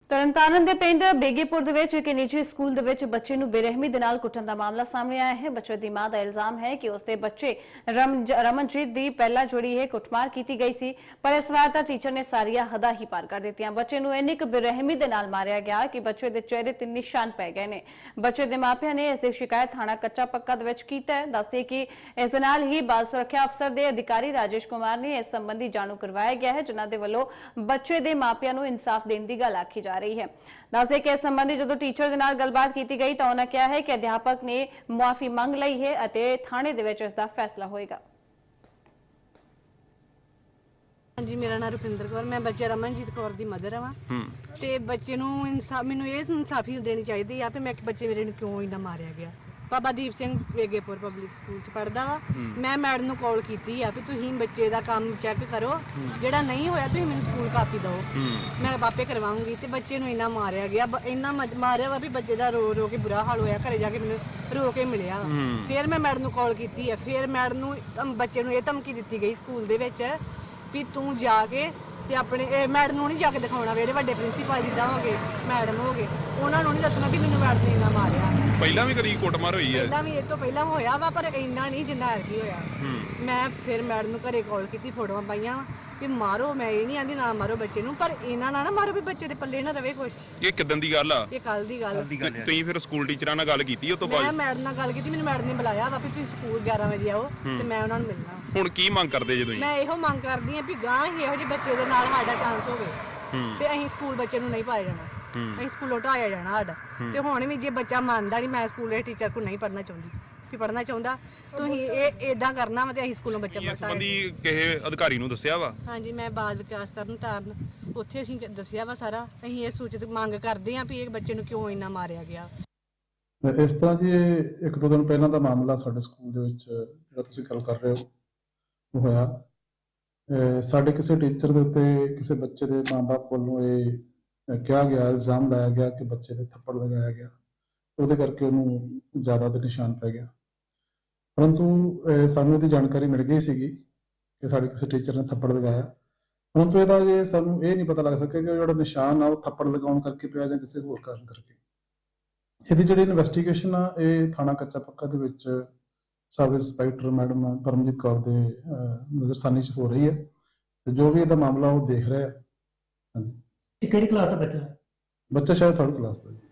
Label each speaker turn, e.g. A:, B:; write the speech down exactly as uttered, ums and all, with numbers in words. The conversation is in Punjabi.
A: ਤਰਨਤਾਰਨ ਦੇ ਪਿੰਡ ਬੇਗੇਪੁਰ ਦੇ ਵਿੱਚ ਇੱਕ ਨਿੱਜੀ ਸਕੂਲ ਦੇ ਵਿੱਚ ਬੱਚੇ ਨੂੰ ਬੇਰਹਿਮੀ ਦੇ ਨਾਲ ਕੁੱਟਣ ਦਾ ਮਾਮਲਾ ਸਾਹਮਣੇ ਆਇਆ ਹੈ। ਬੱਚੇ ਦੀ ਮਾਂ ਦਾ ਇਲਜ਼ਾਮ ਹੈ ਕਿ ਉਸਦੇ ਬੱਚੇ ਰਮਨਜੀਤ ਦੀ ਪਹਿਲਾਂ ਜਿਹੜੀ ਹੈ ਕੁੱਟਮਾਰ ਕੀਤੀ ਗਈ ਸੀ, ਪਰ ਇਸ ਵਾਰ ਤਾਂ ਟੀਚਰ ਨੇ ਸਾਰੀਆਂ ਹੱਦਾਂ ਹੀ ਪਾਰ ਕਰ ਦਿੱਤੀਆਂ। ਬੱਚੇ ਨੂੰ ਇੰਨੀ ਕੁ ਬੇਰਹਿਮੀ ਦੇ ਨਾਲ ਮਾਰਿਆ ਗਿਆ ਕਿ ਬੱਚੇ ਦੇ ਚਿਹਰੇ ਤੇ ਨਿਸ਼ਾਨ ਪੈ ਗਏ ਨੇ। ਬੱਚੇ ਦੇ ਮਾਪਿਆਂ ਨੇ ਇਸ ਦੀ ਸ਼ਿਕਾਇਤ ਥਾਣਾ ਕੱਚਾ ਪੱਕਾ ਦੇ ਵਿੱਚ ਕੀਤਾ ਹੈ। ਦੱਸਦੇ ਕਿ ਇਸ ਦੇ ਨਾਲ ਹੀ ਬਾਲ ਸੁਰੱਖਿਆ ਅਫਸਰ ਦੇ ਅਧਿਕਾਰੀ ਰਾਜੇਸ਼ ਕੁਮਾਰ ਨੇ ਇਸ ਸੰਬੰਧੀ ਜਾਣੂ ਕਰਵਾਇਆ ਗਿਆ ਹੈ, ਜਿਨ੍ਹਾਂ ਦੇ ਵੱਲੋਂ ਬੱਚੇ ਦੇ ਮਾਪਿਆਂ ਨੂੰ ਇਨਸਾਫ ਦੇਣ ਦੀ ਗੱਲ ਆਖੀ ਜਾ ਰਹੀ ਹੈ। ਦੱਸਦੇ ਕਿ ਇਸ ਸੰਬੰਧੀ ਜਦੋਂ ਟੀਚਰ ਦੇ ਨਾਲ ਗੱਲਬਾਤ ਕੀਤੀ ਗਈ ਤਾਂ ਉਹਨਾਂ ਕਿਹਾ ਹੈ ਕਿ ਅਧਿਆਪਕ ਨੇ ਮੁਆਫੀ ਮੰਗ ਲਈ ਹੈ ਅਤੇ ਥਾਣੇ ਦੇ ਵਿੱਚ ਇਸ ਦਾ ਫੈਸਲਾ ਹੋਏਗਾ।
B: ਹਾਂਜੀ, ਮੇਰਾ ਨਾਮ ਰੁਪਿੰਦਰ ਕੌਰ, ਮੈਂ ਬੱਚੇ ਰਮਨਜੀਤ ਕੌਰ ਦੀ ਮਦਰ ਹਾਂ ਤੇ ਬੱਚੇ ਨੂੰ ਇਨਸਾਫ ਮੈਨੂੰ ਇਹ ਇਨਸਾਫੀ ਦੇਣੀ ਚਾਹੀਦੀ ਆ ਤੇ ਮੈਂ ਬੱਚੇ ਮੇਰੇ ਨੂੰ ਕਿਉਂ ਇੰਨਾ ਮਾਰਿਆ ਗਿਆ। ਬਾਬਾ ਦੀਪ ਸਿੰਘ ਵੇਗੇਪੁਰ ਪਬਲਿਕ ਸਕੂਲ ਚ ਪੜਦਾ ਵਾ। ਮੈਂ ਮੈਡਮ ਨੂੰ ਕਾਲ ਕੀਤੀ ਆ ਵੀ ਤੁਸੀਂ ਬੱਚੇ ਦਾ ਕੰਮ ਚੈੱਕ ਕਰੋ, ਜਿਹੜਾ ਨਹੀਂ ਹੋਇਆ ਤੁਸੀਂ ਮੈਨੂੰ ਸਕੂਲ ਕਾਪੀ ਦਿਓ, ਮੈਂ ਆਪੇ ਕਰਵਾਉਂਗੀ। ਤੇ ਬੱਚੇ ਨੂੰ ਇੰਨਾ ਮਾਰਿਆ ਗਿਆ, ਇੰਨਾ ਮਾਰਿਆ ਵਾ ਵੀ ਬੱਚੇ ਦਾ ਰੋ ਰੋ ਕੇ ਬੁਰਾ ਹਾਲ ਹੋਇਆ। ਘਰੇ ਜਾ ਕੇ ਮੈਨੂੰ ਰੋ ਕੇ ਮਿਲਿਆ। ਫਿਰ ਮੈਂ ਮੈਡਮ ਨੂੰ ਕਾਲ ਕੀਤੀ ਆ, ਫਿਰ ਮੈਡਮ ਨੂੰ ਬੱਚੇ ਨੂੰ ਇਹ ਧਮਕੀ ਦਿੱਤੀ ਗਈ ਸਕੂਲ ਦੇ ਵਿੱਚ ਵੀ ਤੂੰ ਜਾ ਕੇ ਤੇ ਆਪਣੇ ਮੈਡਮ ਨੂੰ ਨਹੀਂ ਜਾ ਕੇ ਦਿਖਾਉਣਾ, ਜਿਹੜੇ ਵੱਡੇ ਪ੍ਰਿੰਸੀਪਲ ਜਿੱਦਾਂ ਹੋ ਗਏ ਮੈਡਮ ਹੋ ਗਏ ਉਹਨਾਂ ਨੂੰ ਨਹੀਂ ਦੱਸਣਾ ਵੀ ਮੈਨੂੰ ਮੈਡਮ ਨੇ ਇੰਨਾ ਮਾਰਿਆ।
C: ਪਹਿਲਾਂ ਵੀ ਕਦੀ ਕੁੱਟਮਾਰ ਹੋਈ ਹੈ? ਪਹਿਲਾਂ
B: ਵੀ ਇਹ ਤੋਂ ਪਹਿਲਾਂ ਹੋਇਆ ਵਾ, ਪਰ ਇੰਨਾ ਨਹੀਂ ਜਿੰਨਾ ਐਤਕੀ ਹੋਇਆ। ਮੈਂ ਫਿਰ ਮੈਡਮ ਨੂੰ ਘਰੇ ਕਾਲ ਕੀਤੀ, ਫੋਟੋਆਂ ਪਾਈਆਂ ਵੀ ਮਾਰੋ, ਮੈਂ ਇਹ ਨਹੀਂ ਆਂਦੀ ਨਾ ਮਾਰੋ ਬੱਚੇ ਨੂੰ, ਪਰ ਇਹਨਾਂ ਨਾਲ ਨਾ ਮਾਰੋ ਵੀ ਬੱਚੇ ਦੇ ਪੱਲੇ ਨਾ ਰਵੇ ਕੁਛ।
C: ਇਹ ਕਿਦਾਂ ਦੀ ਗੱਲ ਆ?
B: ਇਹ ਕੱਲ ਦੀ ਗੱਲ।
C: ਤੁਸੀਂ ਫਿਰ ਸਕੂਲ ਟੀਚਰਾਂ ਨਾਲ ਗੱਲ ਕੀਤੀ? ਉਹ ਤੋਂ ਬਾਅਦ
B: ਮੈਂ ਮੈਡਮ ਨਾਲ ਗੱਲ ਕੀਤੀ, ਮੈਨੂੰ ਮੈਡਮ ਨੇ ਬੁਲਾਇਆ ਵਾ ਵੀ ਤੁਸੀਂ ਸਕੂਲ ਗਿਆਰਾਂ ਵਜੇ ਆਓ ਤੇ ਮੈਂ ਉਹਨਾਂ ਨੂੰ ਮਿਲਣਾ।
C: ਹੁਣ ਕੀ ਮੰਗ ਕਰਦੇ ਜੇ ਤੁਸੀਂ?
B: ਮੈਂ ਇਹੋ ਮੰਗ ਕਰਦੀ ਆ ਵੀ ਗਾਂ ਹੀ ਇਹੋ ਜਿਹੇ ਬੱਚੇ ਦੇ ਨਾਲ ਸਾਡਾ ਚਾਂਸ ਹੋਵੇ ਤੇ ਅਸੀਂ ਸਕੂਲ ਬੱਚੇ ਨੂੰ ਨਹੀਂ ਪਾਇਆ ਜਾਣਾ, ਅਸੀਂ ਸਕੂਲੋਂ ਢਾਇਆ ਜਾਣਾ ਸਾਡਾ। ਤੇ ਹੁਣ ਵੀ ਜੇ ਬੱਚਾ ਮੰਨਦਾ ਨਹੀਂ ਮੈਂ ਸਕੂਲ ਦੇ ਟੀਚਰ ਕੋਲ ਨਹੀਂ ਪੜ੍ਹਨਾ ਚਾਹੁੰਦੀ ਵੀ ਪੜ੍ਹਨਾ ਚਾਹੁੰਦਾ ਤੁਸੀਂ ਇਹ ਇਦਾਂ ਕਰਨਾ ਵਾ ਤੇ ਅਸੀਂ ਸਕੂਲੋਂ ਬੱਚਾ ਪੜ੍ਹਾਇਆ।
C: ਇਸ ਸੰਬੰਧੀ ਕਿਸੇ ਅਧਿਕਾਰੀ ਨੂੰ ਦੱਸਿਆ ਵਾ?
B: ਹਾਂਜੀ, ਮੈਂ ਬਾਲ ਵਿਕਾਸ ਤਰਨਤਾਰਨ ਉੱਥੇ ਅਸੀਂ ਦੱਸਿਆ ਵਾ ਸਾਰਾ। ਅਸੀਂ ਇਹ ਸੂਚਿਤ ਮੰਗ ਕਰਦੇ ਹਾਂ ਵੀ ਇਹ ਬੱਚੇ ਨੂੰ ਕਿਉਂ ਇੰਨਾ ਮਾਰਿਆ ਗਿਆ।
D: ਇਸ ਤਰ੍ਹਾਂ ਜੀ ਇਹ ਇੱਕ ਦੋ ਦਿਨ ਪਹਿਲਾਂ ਦਾ ਮਾਮਲਾ ਸਾਡੇ ਸਕੂਲ ਦੇ ਵਿੱਚ ਜਿਹੜਾ ਤੁਸੀਂ ਗੱਲ ਕਰ ਰਹੇ ਹੋ ਉਹ ਹੋਇਆ। ਸਾਡੇ ਕਿਸੇ ਟੀਚਰ ਦੇ ਉੱਤੇ ਕਿਸੇ ਬੱਚੇ ਦੇ ਮਾਂ-ਬਾਪ ਵੱਲੋਂ ਇਹ ਕਿਹਾ ਗਿਆ, ਇਲਜ਼ਾਮ ਲਾਇਆ ਗਿਆ ਕਿ ਬੱਚੇ ਦੇ ਥੱਪੜ ਲਗਾਇਆ ਗਿਆ, ਉਹਦੇ ਕਰਕੇ ਉਹਨੂੰ ਜ਼ਿਆਦਾ ਦੇ ਨਿਸ਼ਾਨ ਪੈ ਗਿਆ। ਪਰੰਤੂ ਸਾਨੂੰ ਇਹਦੀ ਜਾਣਕਾਰੀ ਮਿਲ ਗਈ ਸੀਗੀ ਕਿ ਸਾਡੇ ਕਿਸੇ ਟੀਚਰ ਨੇ ਥੱਪੜ ਲਗਾਇਆ, ਪਰੰਤੂ ਇਹਦਾ ਜੇ ਸਾਨੂੰ ਇਹ ਨਹੀਂ ਪਤਾ ਲੱਗ ਸਕਿਆ ਕਿ ਜਿਹੜਾ ਨਿਸ਼ਾਨ ਆ ਉਹ ਥੱਪੜ ਲਗਾਉਣ ਕਰਕੇ ਪਿਆ ਜਾਂ ਕਿਸੇ ਹੋਰ ਕਾਰਨ ਕਰਕੇ। ਇਹਦੀ ਜਿਹੜੀ ਇਨਵੈਸਟੀਗੇਸ਼ਨ ਆ ਇਹ ਥਾਣਾ ਕੱਚਾ ਪੱਕਾ ਦੇ ਵਿੱਚ sub inspector madam Paramjit Kaur ਦੇ ਨਜ਼ਰਸਾਨੀ 'ਚ ਹੋ ਰਹੀ ਹੈ ਤੇ ਜੋ ਵੀ ਇਹਦਾ ਮਾਮਲਾ ਉਹ ਦੇਖ ਰਿਹਾ ਹੈ।
E: ਇਹ ਕਿਹੜੀ ਕਲਾਸ ਦਾ ਬੱਚਾ?
D: ਬੱਚਾ ਸ਼ਾਇਦ ਥਰਡ ਕਲਾਸ ਦਾ।